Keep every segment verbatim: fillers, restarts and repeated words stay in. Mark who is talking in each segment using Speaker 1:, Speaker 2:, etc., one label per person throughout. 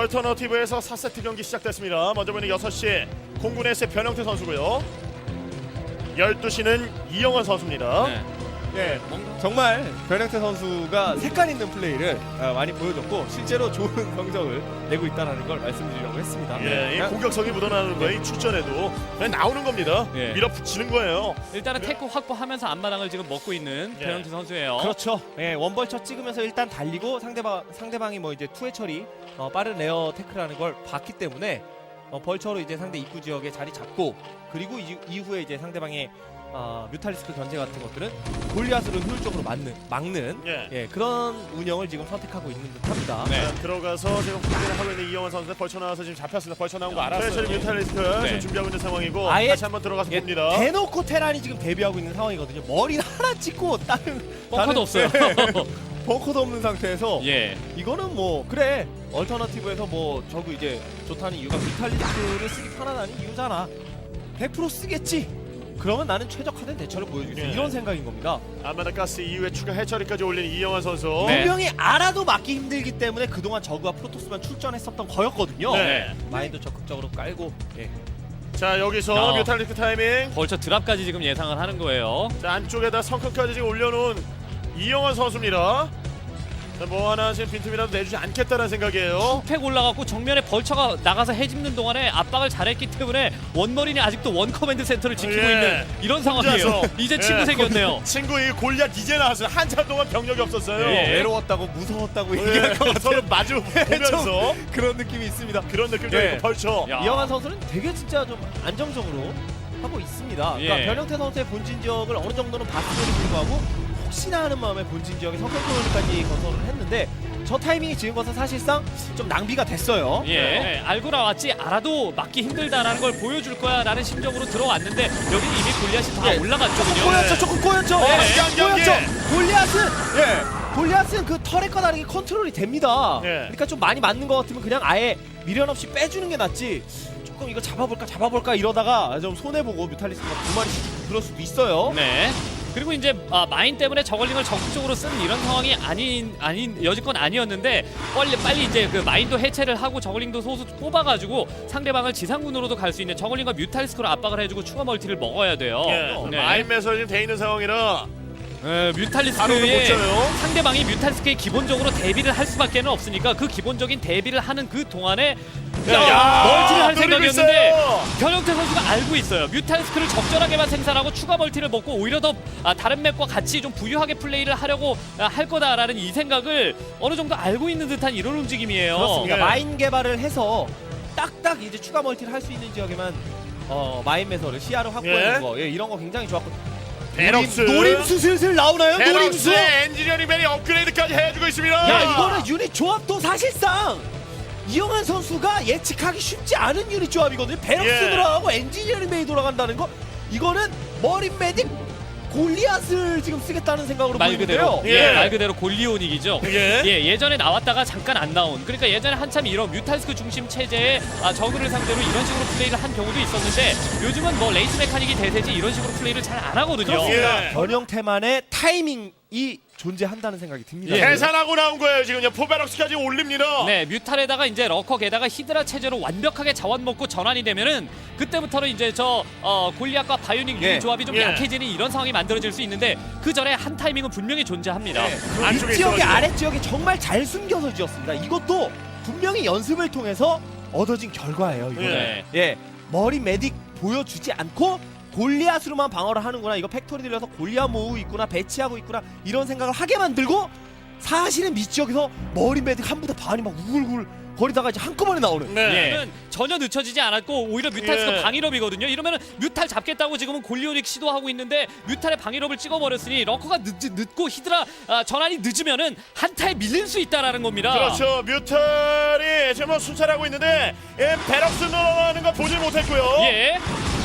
Speaker 1: 얼터너티브에서 사 세트 경기 시작됐습니다. 먼저 보이는 여섯 시 공군에스의 변형태 선수고요. 열두 시는 이영환 선수입니다.
Speaker 2: 네.
Speaker 3: 예, 정말 변형태 선수가 색깔 있는 플레이를 아, 많이 보여줬고 실제로 좋은 성적을 내고 있다는 걸 말씀드리려고 했습니다.
Speaker 1: 예, 이
Speaker 3: 그냥
Speaker 1: 공격성이 묻어나는 거예요. 이 출전에도 그냥 나오는 겁니다.
Speaker 2: 예.
Speaker 1: 밀어붙이는 거예요.
Speaker 2: 일단은 태크 확보하면서 앞마당을 지금 먹고 있는
Speaker 1: 예.
Speaker 2: 변형태 선수예요.
Speaker 3: 그렇죠. 예, 원벌처 찍으면서 일단 달리고 상대방 상대방이 뭐 이제 투회 처리 어, 빠른 에어 태클하는 걸 봤기 때문에 어, 벌처로 이제 상대 입구 지역에 자리 잡고 그리고 이, 이후에 이제 상대방의 어, 뮤탈리스크 견제 같은 것들은 골리앗으로 효율적으로 막는, 막는
Speaker 1: 예.
Speaker 3: 예, 그런 운영을 지금 선택하고 있는 듯합니다.
Speaker 2: 네.
Speaker 1: 자, 들어가서 지금 훈련을 하고 있는 이영환 선수 벌쳐 나와서 지금 잡혔습니다. 벌쳐 나온 거 알았어요.
Speaker 2: 알았어요.
Speaker 1: 지금 뮤탈리스트
Speaker 2: 네.
Speaker 1: 지금 준비하고 있는 상황이고
Speaker 3: 아예
Speaker 1: 다시 한번 들어가서
Speaker 3: 예,
Speaker 1: 봅니다.
Speaker 3: 대놓고 테란이 지금 데뷔하고 있는 상황이거든요. 머리를 하나 찍고 다른
Speaker 2: 벙커도
Speaker 3: 다른-
Speaker 2: 없어요.
Speaker 3: 벙커도 없는 상태에서
Speaker 2: 예.
Speaker 3: 이거는 뭐 그래 얼터너티브에서 뭐 저거 이제 좋다는 이유가 뮤탈리스트를 쓰기 편하다는 이유잖아. 백 퍼센트 쓰겠지. 그러면 나는 최적화된 대처를 보여주겠어.
Speaker 1: 예.
Speaker 3: 이런 생각인 겁니다.
Speaker 1: 아마다 가스 이후에 추가 해처리까지 올린 이영환 선수.
Speaker 2: 네.
Speaker 3: 분명히 알아도 막기 힘들기 때문에 그동안 저그와 프로토스만 출전했었던 거였거든요.
Speaker 1: 네.
Speaker 3: 마인드 적극적으로 깔고 예.
Speaker 1: 자, 여기서
Speaker 2: 어.
Speaker 1: 뮤탈리스트 타이밍.
Speaker 2: 벌처 드랍까지 지금 예상을 하는 거예요.
Speaker 1: 자, 안쪽에다 성큼까지 지금 올려놓은 이영환 선수입니다. 자, 뭐 하나 지금 빈틈이라도 내주지 않겠다는 생각이에요.
Speaker 2: 팩 올라갔고 정면에 벌처가 나가서 해집는 동안에 압박을 잘했기 때문에 원머린이 아직도 원 커맨드 센터를 지키고
Speaker 1: 예.
Speaker 2: 있는 이런 상황이에요.
Speaker 1: 혼자서.
Speaker 2: 이제
Speaker 1: 예.
Speaker 2: 친구 생겼네요.
Speaker 1: 친구 이 골리앗 이제 나왔어요. 한참 동안 병력이 없었어요.
Speaker 2: 예.
Speaker 3: 외로웠다고 무서웠다고
Speaker 1: 예.
Speaker 3: 얘기할 것 같아요.
Speaker 1: 서로 마주 보면서
Speaker 3: 그런 느낌이 있습니다.
Speaker 1: 그런 느낌도
Speaker 3: 예.
Speaker 1: 있고 벌쳐.
Speaker 2: 야.
Speaker 3: 이영환 선수는 되게 진짜 좀 안정적으로 하고 있습니다. 그러니까
Speaker 2: 예.
Speaker 3: 변형태 선수의 본진 지역을 어느 정도는 봤음에도 불구하고 혹시나 하는 마음에 본진 지역에 성큼토론까지 건설을 했는데 저 타이밍이 지은 것은 사실상 좀 낭비가 됐어요.
Speaker 2: 예, 예, 알고 나왔지 알아도 막기 힘들다라는 걸 보여줄 거야라는 심정으로 들어왔는데 여기는 이미 골리앗이 다
Speaker 3: 예.
Speaker 2: 올라갔거든요.
Speaker 3: 꼬였죠, 조금 꼬였죠.
Speaker 2: 네.
Speaker 3: 예,
Speaker 1: 경기.
Speaker 3: 꼬였죠. 골리앗은 예, 골리앗은 그 털과 다르게 컨트롤이 됩니다.
Speaker 1: 예.
Speaker 3: 그러니까 좀 많이 맞는 것 같으면 그냥 아예 미련 없이 빼주는 게 낫지. 조금 이거 잡아볼까 잡아볼까 이러다가 좀 손해 보고 뮤탈리스크가 두 마리씩 그럴 수도 있어요.
Speaker 2: 네. 그리고 이제 아, 마인 때문에 저걸링을 적극적으로 쓴 이런 상황이 아닌 아닌 여지껏 아니었는데 빨리 빨리 이제 그 마인도 해체를 하고 저걸링도 소수 뽑아가지고 상대방을 지상군으로도 갈 수 있는 저걸링과 뮤탈리스크로 압박을 해주고 추가 멀티를 먹어야 돼요.
Speaker 1: 예.
Speaker 2: 네.
Speaker 1: 마인매서 지금 돼 있는 상황이라
Speaker 2: 예,
Speaker 1: 바로는 못
Speaker 2: 뮤탈리스크의
Speaker 1: 쳐요.
Speaker 2: 상대방이 뮤탈리스크에 기본적으로 대비를 할 수밖에 없으니까 그 기본적인 대비를 하는 그 동안에
Speaker 1: 야,
Speaker 2: 야, 멀티를 할
Speaker 1: 노리고
Speaker 2: 생각이었는데
Speaker 1: 있어요.
Speaker 2: 변형태 선수가 알고 있어요. 뮤탈리스크를 적절하게만 생산하고 추가 멀티를 먹고 오히려 더 아, 다른 맵과 같이 좀 부유하게 플레이를 하려고 아, 할 거다라는 이 생각을 어느 정도 알고 있는 듯한 이런 움직임이에요.
Speaker 3: 그렇습니다.
Speaker 1: 예.
Speaker 3: 마인 개발을 해서 딱딱 이제 추가 멀티를 할 수 있는 지역에만 어, 마인 매설을 시야를 확보하는
Speaker 1: 예.
Speaker 3: 거, 예, 이런 거 굉장히 좋았고.
Speaker 1: 베럭스.
Speaker 3: 노림, 노림수 슬슬 나오나요? 노림수.
Speaker 1: 베럭스의 엔지니어링 벨이 업그레이드까지 해주고 있습니다.
Speaker 3: 야, 이거는 유닛 조합도 사실상 이영환 선수가 예측하기 쉽지 않은 유닛 조합이거든요. 베럭스
Speaker 1: 예.
Speaker 3: 들어가고 엔지니어링 베이 돌아간다는 거, 이거는 머린 메딕 골리앗을 지금 쓰겠다는 생각으로
Speaker 2: 말 그대로
Speaker 3: 보이는데요.
Speaker 1: 예.
Speaker 2: 예, 말 그대로 골리온이기죠.
Speaker 1: 예.
Speaker 2: 예, 예전에 나왔다가 잠깐 안 나온. 그러니까 예전에 한참 이런 뮤탈스크 중심 체제의 아, 저그를 상대로 이런 식으로 플레이를 한 경우도 있었는데 요즘은 뭐 레이스 메카닉이 대세지 이런 식으로 플레이를 잘 안 하거든요.
Speaker 1: 그렇습니다.
Speaker 3: 예. 변형태만의 타이밍이 존재한다는 생각이 듭니다.
Speaker 2: 예.
Speaker 1: 계산하고 나온 거예요. 지금요. 포베럭스까지 올립니다.
Speaker 2: 네, 뮤탈에다가 이제 러커에다가 히드라 체제로 완벽하게 자원 먹고 전환이 되면은 그때부터는 이제 저 어, 골리앗과 바이오닉
Speaker 3: 예.
Speaker 2: 유닛 조합이 좀
Speaker 1: 예.
Speaker 2: 약해지는 이런 상황이 만들어질 수 있는데 그 전에 한 타이밍은 분명히 존재합니다.
Speaker 3: 네.
Speaker 1: 안쪽에
Speaker 3: 이 지역의
Speaker 1: 있어가지고.
Speaker 3: 아랫지역에 정말 잘 숨겨서 지었습니다. 이것도 분명히 연습을 통해서 얻어진 결과예요. 이거는.
Speaker 2: 네.
Speaker 3: 예, 머리 메딕 보여주지 않고 골리앗으로만 방어를 하는구나. 이거 팩토리 들려서 골리앗 모으고 있구나, 배치하고 있구나, 이런 생각을 하게 만들고 사실은 밑지역에서 머리 메딕 한 부대 반이 막 우글우글 거리다가 이제 한꺼번에 나오는.
Speaker 1: 네.
Speaker 2: 예. 전혀 늦춰지지 않았고 오히려 뮤탈스가
Speaker 1: 예.
Speaker 2: 방일업이거든요. 이러면은 뮤탈 잡겠다고 지금은 골리오닉 시도하고 있는데 뮤탈의 방일업을 찍어버렸으니 러커가 늦, 늦고 히드라 아, 전환이 늦으면은 한타에 밀릴 수 있다라는 겁니다.
Speaker 1: 그렇죠. 뮤탈이 지금 뭐 순찰하고 있는데 예, 베럭스 넘어가는 거 보질 못했고요.
Speaker 2: 예.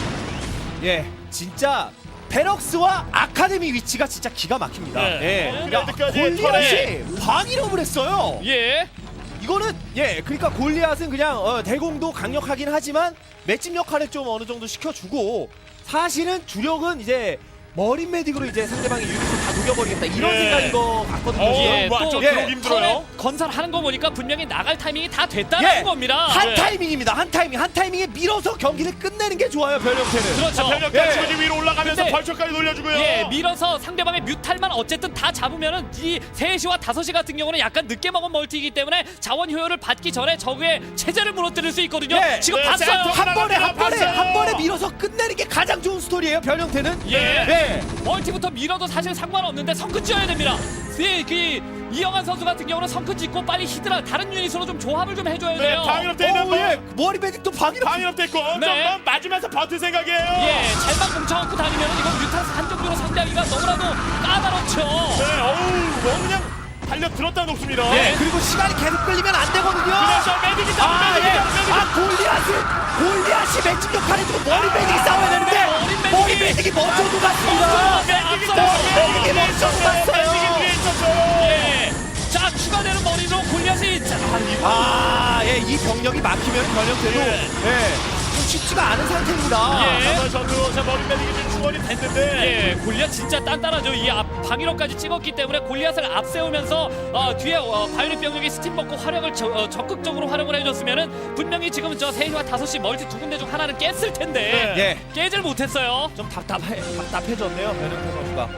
Speaker 3: 예, 진짜 베럭스와 아카데미 위치가 진짜 기가 막힙니다.
Speaker 1: 네.
Speaker 3: 예,
Speaker 1: 레드까지
Speaker 3: 골리앗이 방일업을 했어요.
Speaker 2: 예.
Speaker 3: 이거는 예, 그러니까 골리앗은 그냥 어, 대공도 강력하긴 하지만 맷집 역할을 좀 어느 정도 시켜주고 사실은 주력은 이제 머린 메딕으로 이제 상대방의 유닛을 다 녹여버리겠다 이런
Speaker 1: 예.
Speaker 3: 생각인 것 같거든요.
Speaker 1: 어우,
Speaker 2: 예,
Speaker 1: 완전
Speaker 2: 또
Speaker 1: 들어오기
Speaker 3: 예.
Speaker 1: 힘들어요.
Speaker 2: 턴에 건설하는 거 보니까 분명히 나갈 타이밍이 다 됐다는
Speaker 3: 예.
Speaker 2: 겁니다.
Speaker 3: 한
Speaker 1: 네.
Speaker 3: 타이밍입니다. 한 타이밍, 한 타이밍에 밀어서 경기를 끝내는 게 좋아요. 변형태는.
Speaker 2: 그렇죠.
Speaker 1: 자, 병력
Speaker 3: 예.
Speaker 1: 같이 예. 위로 올라가면서
Speaker 2: 근데-
Speaker 1: 벌초까지 돌려주고요.
Speaker 2: 예, 밀어서 상대방의 뮤탈만 어쨌든 다 잡으면은 이 세 시와 다섯 시 같은 경우는 약간 늦게 먹은 멀티이기 때문에 자원 효율을 받기 전에 적의 체제를 무너뜨릴 수 있거든요.
Speaker 3: 예.
Speaker 2: 지금
Speaker 1: 네,
Speaker 2: 봤어요.
Speaker 1: 센터
Speaker 3: 한 번에 한 번에
Speaker 1: 봤어요.
Speaker 3: 한 번에 밀어서 끝내는 게 가장 좋은 스토리예요. 변형태는.
Speaker 2: 예.
Speaker 3: 네.
Speaker 2: 멀티부터 밀어도 사실 상관없는데 성큰 지어야 됩니다. 예, 그 이영환 선수 같은 경우는 성큰 짓고 빨리 히드라 다른 유닛으로 좀 조합을 좀 해줘야
Speaker 1: 네,
Speaker 2: 돼요.
Speaker 1: 방위로 돼 있는
Speaker 3: 오,
Speaker 1: 거.
Speaker 3: 예. 머리 메딕도 방위로.
Speaker 1: 방위로 돼 있고
Speaker 2: 네.
Speaker 1: 점만 맞으면서 버틸 생각이에요.
Speaker 2: 예, 잘만 뭉쳐갖고 다니면 이건 뮤탈스 한정도로 상대하기가 너무나도 까다롭죠.
Speaker 1: 네, 어우, 뭐 그냥 달려 들었다 놓습니다.
Speaker 3: 예. 그리고 시간이 계속 끌리면 안 되거든요.
Speaker 1: 그래서 매직이다,
Speaker 3: 아, 예.
Speaker 1: 매직이다, 매직.
Speaker 3: 아, 골리앗이 골리앗이 매직 역할을 해주고 머리 메딕이 싸워야 되는데
Speaker 2: 네, 머리 메딕이-
Speaker 3: 머리 메딕이 먼저 녹았습니다.
Speaker 1: 매직이
Speaker 2: 앞서요.
Speaker 1: 매직이
Speaker 3: 매직이 먼저 갔어요.
Speaker 1: 매직이 위에 있었어요.
Speaker 2: 예, 자 추가되는 머리로 골리앗이 자, 아, 이거
Speaker 3: 아, 예, 이 병력이 막히면 변형태도
Speaker 1: 예.
Speaker 3: 예. 좀 쉽지가 않은 상태입니다.
Speaker 2: 예.
Speaker 1: 정말 전투 자 머리 매직이 좀 충원이 됐는데
Speaker 2: 예, 골리앗 진짜 단단하죠. 이 앞 방위로까지 찍었기 때문에 골리앗을 앞세우면서 어, 뒤에 어, 바이올렛 병력이 스팀 먹고 활용을 저- 어, 적극적으로 활용을 해줬으면은 분명히 지금 저 세 시와 다섯 시 멀티 두 군데 중 하나는 깼을 텐데
Speaker 1: 네.
Speaker 3: 예.
Speaker 2: 깨질 못했어요.
Speaker 3: 좀 답답해 답답해졌네요. 변형태 선수가.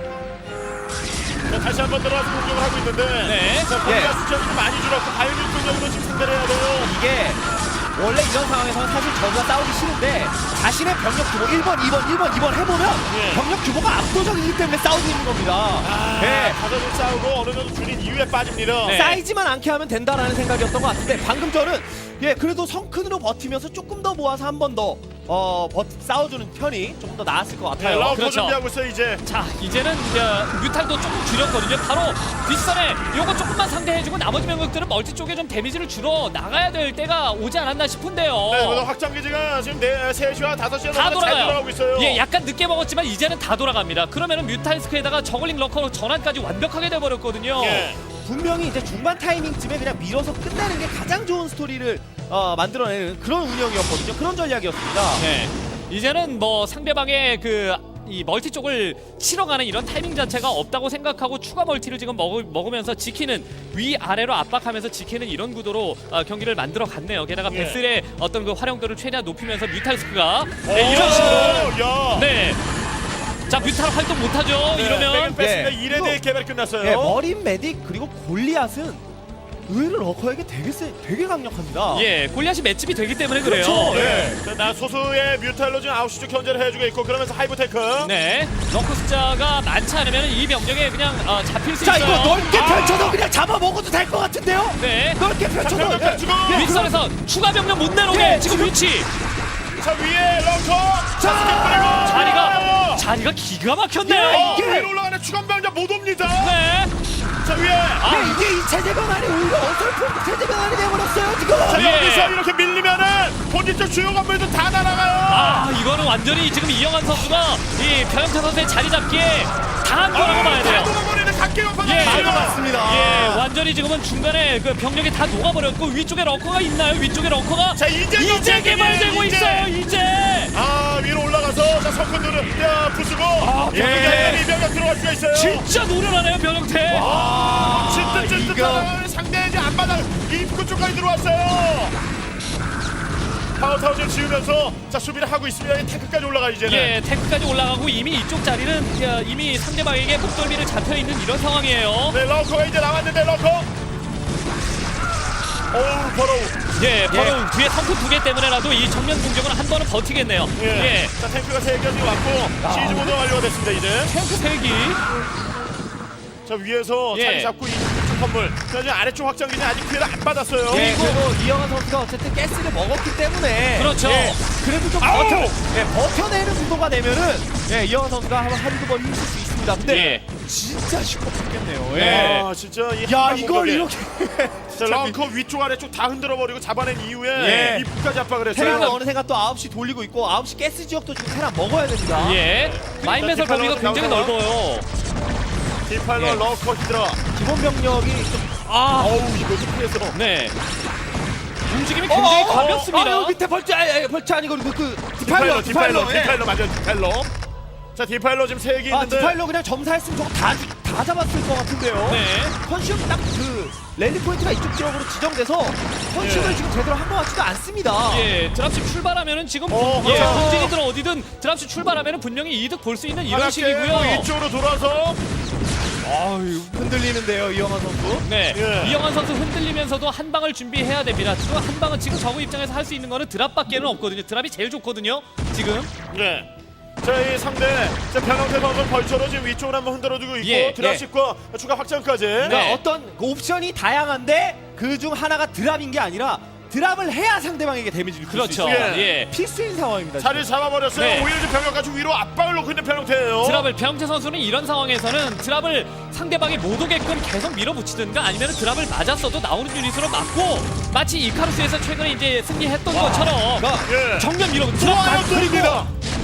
Speaker 1: 자, 다시 한번 들어가서 공격을 하고 있는데
Speaker 2: 네.
Speaker 1: 자,
Speaker 3: 예.
Speaker 1: 골리앗 숫자가 좀 많이 줄었고 바이올린 공격으로 지금 상대를 해야 돼요.
Speaker 3: 이게 원래 이런 상황에서는 사실 저가 싸우기 싫은데 자신의 병력 규모 일 번, 이 번, 일 번, 이 번 해보면
Speaker 1: 예.
Speaker 3: 병력 규모가 압도적이기 때문에 싸우고 있는 겁니다.
Speaker 1: 아,
Speaker 3: 예.
Speaker 1: 가져들 싸우고 어느 정도 줄인 이후에 빠집니다.
Speaker 2: 네.
Speaker 3: 쌓이지만 않게 하면 된다라는 생각이었던 것 같은데 방금 저는 예 그래도 성큰으로 버티면서 조금 더 모아서 한 번 더 어, 버, 싸워주는 편이 조금 더 나았을 것
Speaker 1: 네,
Speaker 3: 같아요.
Speaker 1: 라우터
Speaker 2: 그렇죠.
Speaker 1: 준비하고 있어요 이제.
Speaker 2: 자 이제는 어, 뮤탈도 조금 줄였거든요. 바로 뒷선에 요거 조금만 상대해주고 나머지 병력들은 멀티 쪽에 좀 데미지를 줄어 나가야 될 때가 오지 않았나 싶은데요.
Speaker 1: 네, 그래서 확장 기지가 지금 네, 세 시와 다섯 시에
Speaker 2: 다
Speaker 1: 잘
Speaker 2: 돌아가요.
Speaker 1: 돌아가고 있어요.
Speaker 2: 예, 약간 늦게 먹었지만 이제는 다 돌아갑니다. 그러면은 뮤탈스크에다가 저글링 러커 전환까지 완벽하게 돼버렸거든요.
Speaker 1: 예.
Speaker 3: 분명히 이제 중반 타이밍쯤에 그냥 밀어서 끝내는 게 가장 좋은 스토리를 어, 만들어내는 그런 운영이었거든요. 그런 전략이었습니다.
Speaker 2: 네. 이제는 뭐 상대방의 그 이 멀티 쪽을 치러 가는 이런 타이밍 자체가 없다고 생각하고 추가 멀티를 지금 먹, 먹으면서 지키는 위 아래로 압박하면서 지키는 이런 구도로 어, 경기를 만들어 갔네요. 게다가
Speaker 1: 예.
Speaker 2: 베슬의 어떤 그 활용도를 최대한 높이면서 뮤탈스크가
Speaker 1: 오,
Speaker 2: 네, 이런 식으로
Speaker 1: 야.
Speaker 2: 네. 자 뮤탈 활동 못하죠.
Speaker 1: 네,
Speaker 2: 이러면
Speaker 1: 뺐습니다.
Speaker 3: 예.
Speaker 1: 일에 대해 개발이 끝났어요.
Speaker 3: 예, 머린 메딕 그리고 골리앗은 의외로 러커에게 되게 세, 되게 강력합니다.
Speaker 2: 예 골리앗이 맷집이 되기 때문에 그래요.
Speaker 3: 그렇죠.
Speaker 1: 네. 자, 나 소수의 뮤탈로 지금 아홉 시 쪽 견제를 해주고 있고 그러면서 하이브테크.
Speaker 2: 네, 러커 숫자가 많지 않으면 이 병력에 그냥 어, 잡힐 수
Speaker 3: 자
Speaker 2: 있어요.
Speaker 3: 이거 넓게
Speaker 1: 아.
Speaker 3: 펼쳐서 그냥 잡아먹어도 될 것 같은데요?
Speaker 2: 네.
Speaker 3: 넓게
Speaker 1: 자,
Speaker 3: 펼쳐서
Speaker 1: 병력 펼치고.
Speaker 3: 예,
Speaker 2: 윗선에서 추가 병력 못 내놓게
Speaker 3: 예,
Speaker 2: 지금
Speaker 3: 지금-
Speaker 2: 위치
Speaker 1: 자 위에 런커.
Speaker 3: 자,
Speaker 2: 자리가 자리가 기가 막혔네요.
Speaker 1: 어,
Speaker 3: 이게-
Speaker 1: 위로 올라가는 추간병자 못 옵니다.
Speaker 2: 네.
Speaker 1: 자 위에.
Speaker 2: 아,
Speaker 3: 예, 이게 이 체제 변환이 오히려 어설픈 체제 변환이 돼버렸어요 지금.
Speaker 1: 자
Speaker 2: 예.
Speaker 1: 여기서 이렇게 밀리면은 본진 쪽 주요 건물도 다 날아가요.
Speaker 2: 아 이거는 완전히 지금 이영환 선수가 이 변형태 선수의 자리 잡기에 당한 거라고 봐야 돼요.
Speaker 1: 다 돌아버리는 각계가
Speaker 2: 예.
Speaker 3: 잘 맞습니다.
Speaker 2: 예, 완전히 지금은 중간에 그 병력이 다 녹아버렸고 위쪽에 럭커가 있나요? 위쪽에 럭커가
Speaker 1: 자 이제
Speaker 2: 이제
Speaker 1: 경쟁이에요,
Speaker 2: 개발되고
Speaker 1: 이제.
Speaker 2: 있어요. 이제.
Speaker 1: 아 위로 올라가서 자 성큰들을 야 부수고
Speaker 2: 아,
Speaker 1: 예.
Speaker 2: 예.
Speaker 1: 이병가 들어갈 수가 있어요.
Speaker 2: 진짜 노련하네요 변형태.
Speaker 3: 아,
Speaker 1: 진짜 진짜
Speaker 3: 이거
Speaker 1: 상대 이제 앞바닥 입구 쪽까지 들어왔어요. 파워타워를 지으면서 자 수비를 하고 있습니다. 이 탱크까지 올라가 이제는.
Speaker 2: 예, 탱크까지 올라가고 이미 이쪽 자리는 야, 이미 상대방에게 목덜미를 잡혀 있는 이런 상황이에요.
Speaker 1: 네 러커가 이제 나왔는데 러커. 어우 버러우.
Speaker 2: 예, 바로 뒤에 성크 두 개 때문에라도 이 정면 공격은 한 번은 버티겠네요.
Speaker 1: 예.
Speaker 2: 예,
Speaker 1: 자 탱크가 세 개가 지금 왔고 시즈 모드 완료가 됐습니다 이제.
Speaker 2: 탱크 세 기.
Speaker 1: 자 위에서
Speaker 2: 예.
Speaker 1: 자리 잡고 이쪽 건물. 자 지금 아래쪽 확장기는 아직 피해를 안 받았어요.
Speaker 3: 예, 그리고 이영환 선수가 어쨌든 가스를 먹었기 때문에
Speaker 2: 그렇죠.
Speaker 3: 예, 그래도 좀
Speaker 1: 아우!
Speaker 3: 버텨, 예, 버텨내는 구도가 되면은 예, 이영환 선수가 한, 한두 번 힘쓸 수 있습니다. 근데
Speaker 2: 예.
Speaker 3: 진짜 쉽고 죽겠네요. 예.
Speaker 2: 네.
Speaker 1: 아 진짜 이
Speaker 3: 야
Speaker 1: 한방
Speaker 3: 이걸
Speaker 1: 공격에.
Speaker 3: 이렇게
Speaker 1: 자 런커 위쪽 아래쪽 다 흔들어버리고 잡아낸 이후에
Speaker 3: 예.
Speaker 1: 입구까지 압박을 했어요.
Speaker 3: 테라는 어느샌가 또 아홉 시 돌리고 있고 아홉 시 가스 지역도 지금 테라 먹어야 됩니다.
Speaker 2: 예, 마인 배설 범위가 굉장히 넓어요.
Speaker 1: 디팔러
Speaker 3: 예.
Speaker 1: 러커 히드라.
Speaker 3: 기본 병력이 좀
Speaker 2: 아,
Speaker 1: 어우 이거 좀 피해서.
Speaker 2: 네. 움직임이 굉장히
Speaker 3: 어, 어,
Speaker 2: 가볍습니다.
Speaker 3: 어, 어, 밑에 벌처, 아, 아, 벌처 아니고 그, 그
Speaker 1: 디팔러
Speaker 3: 디팔러,
Speaker 1: 디팔러
Speaker 3: 디팔러, 예.
Speaker 1: 디팔러 맞아요 디팔러. 자, 디파일러 지금 세 개
Speaker 3: 아,
Speaker 1: 있는데.
Speaker 3: 디파일러 그냥 점사했으면 저거 다, 주- 다 잡았을 것 같은데요.
Speaker 2: 네.
Speaker 3: 컨슘 딱 그 랠리 포인트가 이쪽 지역으로 지정돼서 컨슘을
Speaker 1: 예.
Speaker 3: 지금 제대로 한 것 같지도 않습니다.
Speaker 2: 예, 드랍십 출발하면은 지금
Speaker 1: 어,
Speaker 2: 예,
Speaker 1: 그렇죠.
Speaker 2: 본진이든 어디든 드랍십 출발하면은 분명히 이득 볼 수 있는 이런
Speaker 1: 하나씩
Speaker 2: 식이고요.
Speaker 1: 이쪽으로 돌아서.
Speaker 3: 아유, 흔들리는데요, 이영환 선수.
Speaker 2: 네,
Speaker 1: 예.
Speaker 2: 이영환 선수 흔들리면서도 한 방을 준비해야 됩니다. 지금 한 방은 지금 저그 입장에서 할 수 있는 거는 드랍밖에는 없거든요. 드랍이 제일 좋거든요. 지금.
Speaker 1: 네. 자, 이 상대 자, 변형태 선수 벌처로 지금 위쪽으로 한번 흔들어주고 있고
Speaker 2: 예,
Speaker 1: 드랍십과 추가 확장까지.
Speaker 3: 그러니까
Speaker 2: 네.
Speaker 3: 어떤 그 옵션이 다양한데 그 중 하나가 드랍인 게 아니라 드랍을 해야 상대방에게 데미지를 줄 수
Speaker 2: 그렇죠.
Speaker 3: 있어요.
Speaker 1: 예.
Speaker 2: 예.
Speaker 3: 필수인 상황입니다.
Speaker 1: 자리를 잡아버렸어요.
Speaker 2: 네.
Speaker 1: 오히려 지금 병력 가지고 위로 압박을 놓고 있는 변형태예요.
Speaker 2: 드랍을 배영태 선수는 이런 상황에서는 드랍을 상대방이 못 오게끔 계속 밀어붙이든가 아니면 드랍을 맞았어도 나오는 유닛으로 맞고 마치 이카루스에서 최근에 이제 승리했던 것처럼
Speaker 3: 그러니까
Speaker 1: 예.
Speaker 2: 정면 밀어 드랍
Speaker 1: 좋아요,
Speaker 2: 맞-
Speaker 1: 뚫립니다.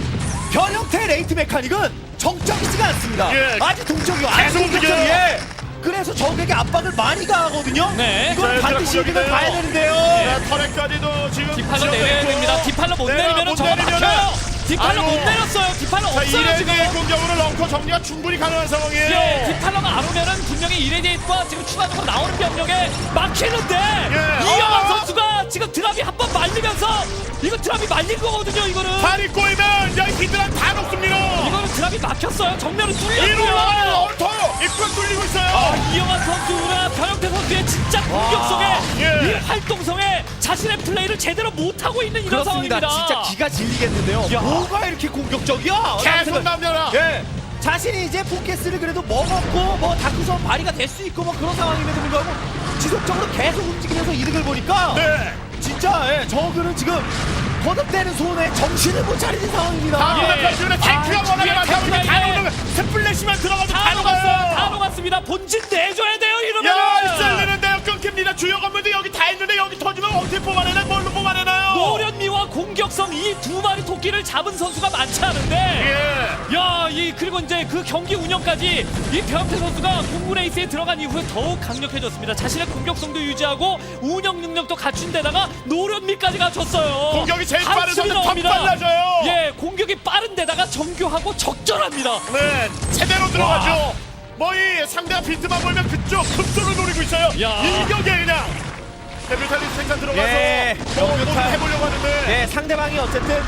Speaker 3: 변형태 레이트 메카닉은 정적이지가 않습니다.
Speaker 1: 예.
Speaker 3: 아주 동적이요.
Speaker 1: 계속
Speaker 3: 아주
Speaker 1: 움직여요.
Speaker 3: 동적이에. 그래서 적에게 압박을 많이 가하거든요.
Speaker 2: 네.
Speaker 3: 이건
Speaker 1: 자,
Speaker 3: 반드시
Speaker 1: 공격이네요.
Speaker 3: 이기면 가야 되는데요.
Speaker 1: 자, 터렛까지도 지금
Speaker 2: 디팔로
Speaker 1: 지어져
Speaker 2: 내려야
Speaker 1: 있고.
Speaker 2: 됩니다. 디팔로 못
Speaker 1: 네,
Speaker 2: 내리면
Speaker 1: 못
Speaker 2: 저거
Speaker 1: 내리면은-
Speaker 2: 막혀요. 디팔로
Speaker 1: 아이고.
Speaker 2: 못 내렸어요. 디팔로
Speaker 1: 자,
Speaker 2: 없어요 지금.
Speaker 1: 이레디의 공격으로 런커 정리가 충분히 가능한 상황이에요.
Speaker 2: 예, 디팔러가 안 오면은 분명히 이레디과 지금 추가적으로 나오는 병력에 막히는데
Speaker 1: 예.
Speaker 2: 이영환
Speaker 1: 어.
Speaker 2: 선수가 지금 드랍이 한 번 말리면서 이거 드랍이 말린 거거든요. 이거는
Speaker 1: 발이 꼬이면 여기 히드란 다 녹습니다.
Speaker 2: 이거는 드랍이 막혔어요. 정면은
Speaker 1: 위로 올라가는
Speaker 2: 뚫렸고요.
Speaker 1: 얼터 입구가 뚫리고 있어요.
Speaker 2: 아, 이영환 선수나 변형태 선수의 진짜 공격성에
Speaker 1: 예.
Speaker 2: 이 활동성에 자신의 플레이를 제대로 못하고 있는 이런
Speaker 3: 그렇습니다.
Speaker 2: 상황입니다.
Speaker 3: 진짜 기가 질리겠는데요.
Speaker 2: 야.
Speaker 3: 뭐가 이렇게 공격적이야?
Speaker 1: 계속 남겨라.
Speaker 3: 예. 자신이 이제 포켓스를 그래도 먹었고 뭐 다크선 발휘가 될 수 있고 뭐 그런 상황임에도 불구하고 지속적으로 계속 움직이면서 이득을 보니까
Speaker 1: 네.
Speaker 3: 진짜 예, 저그는 지금 거듭되는 손에 정신을 못 차리는 상황입니다.
Speaker 1: 다음에
Speaker 2: 예.
Speaker 1: 지금 탱크가
Speaker 2: 아,
Speaker 1: 워낙에
Speaker 2: 뒤에
Speaker 1: 많다 보니까
Speaker 2: 탱크가
Speaker 1: 다
Speaker 2: 이게-
Speaker 1: 오는 스플래시만 들어가도
Speaker 2: 다
Speaker 1: 다
Speaker 2: 녹았어요. 다
Speaker 1: 녹아요.
Speaker 2: 녹았습니다. 본진 내줘야 돼요. 이러면.
Speaker 1: 야, 썰리는데요. 끊깁니다. 주요 건물도 여기 다 있는데 여기 터지면 어떻게 뽑아내나 뭘로 뽑아내나요?
Speaker 2: 노련미와 공격성 이 두 마리 토끼를 잡은 선수가 많지 않은데
Speaker 1: 예.
Speaker 2: 야, 이 그리고 이제 그 경기 운영까지 이 변태 선수가 공군 레이스에 들어간 이후에 더욱 강력해졌습니다. 자신의 공격성도 유지하고 운영 능력도 갖춘 데다가 노련미까지 갖췄어요.
Speaker 1: 공격이 제일 빠른
Speaker 2: 한숨이
Speaker 1: 선수 더
Speaker 2: 나옵니다.
Speaker 1: 빨라져요.
Speaker 2: 예, 공격이 빠른 데다가 정교하고 적절합니다.
Speaker 1: 네, 제대로 들어가죠. 뭐 이 상대가 비트만 보면 그쪽 급소를 노리고 있어요.
Speaker 2: 야.
Speaker 1: 일격에 그냥 데뷔탈리스 생산 들어가서
Speaker 3: 예,
Speaker 1: 뭐
Speaker 3: 뮤탈.
Speaker 1: 뭐를 해보려고 하는데
Speaker 3: 네, 상대방이 어쨌든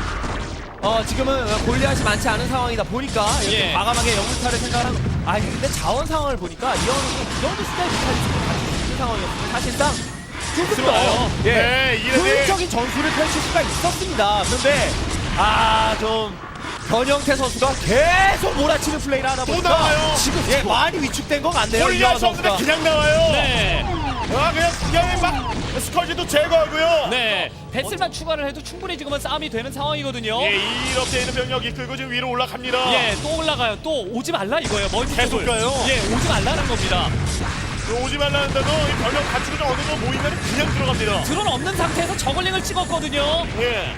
Speaker 3: 어 지금은 골리앗이 많지 않은 상황이다 보니까 이렇게
Speaker 2: 예.
Speaker 3: 과감하게 영무타를 생각하는. 아 근데 자원 상황을 보니까 이영은 이 정도 스타일 뮤탈리스를 가지고 있는 상황이었어요. 사실상 조금
Speaker 2: 들어와요.
Speaker 3: 더 예,
Speaker 1: 네, 이래서-
Speaker 3: 효율적인 전술을 펼칠 수가 있었습니다. 그런데 아좀 변형태 선수가 계속 몰아치는 플레이를 하다 보니까
Speaker 1: 나와요.
Speaker 3: 지금 예, 많이 위축된 건 같네요.
Speaker 1: 골리앗
Speaker 3: 이영환
Speaker 1: 선수가
Speaker 3: 선수가.
Speaker 1: 그냥 나와요.
Speaker 2: 네.
Speaker 1: 아, 그냥 그냥 막 스컬지도 제거하고요.
Speaker 2: 네. 배슬만 추가를 해도 충분히 지금은 싸움이 되는 상황이거든요.
Speaker 1: 예, 이렇게 있는 병력 이끌고 지금 위로 올라갑니다.
Speaker 2: 예, 또 올라가요. 또 오지 말라 이거예요. 멀티
Speaker 1: 계속
Speaker 2: 쪽을.
Speaker 1: 가요?
Speaker 2: 예, 오지 말라는 겁니다.
Speaker 1: 오지 말라는데도 이 병력 갖추고 좀 어느 정도 모이면 그냥 들어갑니다.
Speaker 2: 드론 없는 상태에서 저글링을 찍었거든요.
Speaker 1: 예.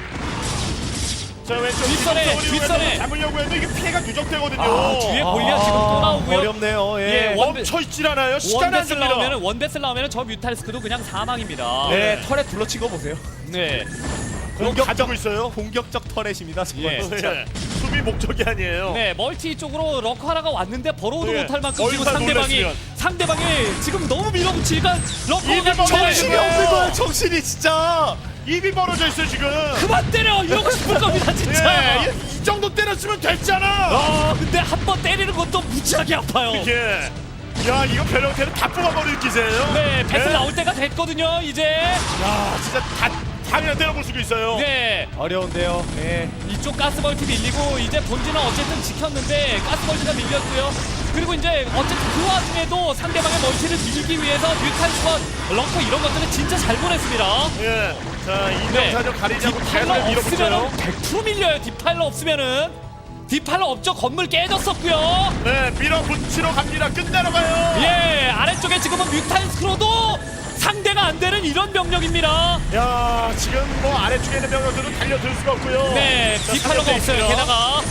Speaker 1: 자, 왼쪽
Speaker 2: 뒷선에,
Speaker 1: 이동적으로
Speaker 2: 뒷선에.
Speaker 1: 이용해서 잡으려고 해도 이게 피해가 누적되거든요.
Speaker 2: 아, 뒤에 골리앗 지금 또 나오고요.
Speaker 3: 어렵네요. 예.
Speaker 2: 예, 원-
Speaker 1: 멈춰 있질 않아요. 시간 안
Speaker 2: 원데스
Speaker 1: 줍니다.
Speaker 2: 나오면은 원데스 나오면은 저 뮤탈스크도 그냥 사망입니다.
Speaker 3: 네, 털에 둘러친 거 보세요.
Speaker 2: 네.
Speaker 1: 공격 가지고 있어요.
Speaker 3: 공격적 터렛입니다. 정말.
Speaker 2: 예.
Speaker 1: 네. 수비 목적이 아니에요.
Speaker 2: 네, 멀티 쪽으로 럭커 하나가 왔는데 벌어도
Speaker 1: 네.
Speaker 2: 못할 만큼 지금
Speaker 1: 얼마나
Speaker 2: 상대방이
Speaker 1: 놀랐으면.
Speaker 2: 상대방이 지금 너무 밀어붙이니까 럭커가
Speaker 1: 입이
Speaker 2: 정신이
Speaker 1: 정신이
Speaker 3: 없는 거야, 정신이 진짜.
Speaker 1: 입이 벌어져 있어요 지금.
Speaker 2: 그만 때려 이러고 싶을 겁니다 진짜.
Speaker 1: 예, 이 정도 때렸으면 됐잖아.
Speaker 2: 아, 근데 한 번 때리는 것도 무지하게 아파요.
Speaker 1: 이게 야 이거 변형태는 다 뽑아버릴 기세예요.
Speaker 2: 네, 배스
Speaker 1: 네.
Speaker 2: 나올 때가 됐거든요 이제.
Speaker 1: 야 진짜 다 당연히 때려볼 수도 있어요.
Speaker 2: 네,
Speaker 3: 어려운데요. 예.
Speaker 2: 이쪽 가스벌트 밀리고 이제 본진은 어쨌든 지켰는데 가스벌트가 밀렸고요. 그리고 이제 어쨌든 그 와중에도 상대방의 멀티를 밀기 위해서 뮤탈스와 럭커 이런 것들은 진짜 잘 보냈습니다.
Speaker 1: 예. 자 이명사정 가리지 않고
Speaker 2: 디팔러
Speaker 1: 계속 밀어붙여요.
Speaker 2: 없으면은 백 퍼센트 밀려요. 디팔러 없으면은 디팔러 없죠. 건물 깨졌었고요.
Speaker 1: 네 밀어붙이러 갑니다. 끝내러 가요.
Speaker 2: 예, 아래쪽에 지금은 뮤탈스크로도 상대가 안 되는 이런 병력입니다.
Speaker 1: 야 지금 뭐 아래쪽에 있는 병력들은 달려들 수가 없고요.
Speaker 2: 네,
Speaker 1: 자,
Speaker 2: 디팔러가
Speaker 1: 상대
Speaker 2: 없어요.
Speaker 1: 있고요.
Speaker 2: 게다가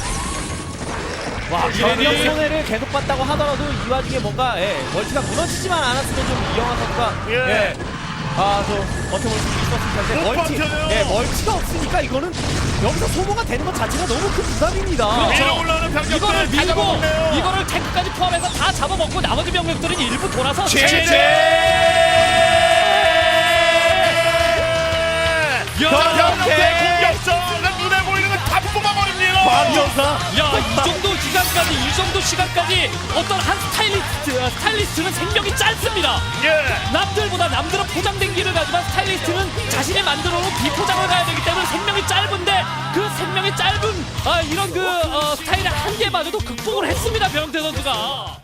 Speaker 2: 와,
Speaker 3: 병력
Speaker 2: 이레디
Speaker 3: 손해를 계속 봤다고 하더라도 이 와중에 뭔가 예, 멀티가 무너지지만 않았으면 좀 이영환 선수가
Speaker 1: 예.
Speaker 3: 아저 버텨볼 수 있었을 텐데
Speaker 1: 못
Speaker 3: 멀티,
Speaker 1: 버텨요.
Speaker 3: 네, 멀티가 없으니까 이거는 여기서 소모가 되는 것 자체가 너무 큰 부담입니다.
Speaker 2: 그렇죠.
Speaker 1: 위로 올라오는 병력들
Speaker 2: 이거를
Speaker 1: 다
Speaker 2: 밀고
Speaker 1: 잡아먹네요.
Speaker 2: 이거를 탱크까지 포함해서 다 잡아먹고 나머지 병력들은 일부 돌아서
Speaker 1: 병력대 공격전은 눈에 보이는 건 다 뽑아버립니다.
Speaker 3: 광전사.
Speaker 2: 야, 이 정도 시간까지, 이 정도 시간까지 어떤 한 스타일리스트, 어, 스타일리스트는 생명이 짧습니다.
Speaker 1: 예.
Speaker 2: 남들보다 남들은 포장된 길을 가지만 스타일리스트는 자신이 만들어 놓은 비포장을 가야 되기 때문에 생명이 짧은데 그 생명이 짧은 아, 이런 그 어, 스타일의 한계마저도 극복을 했습니다. 변형태 선수가.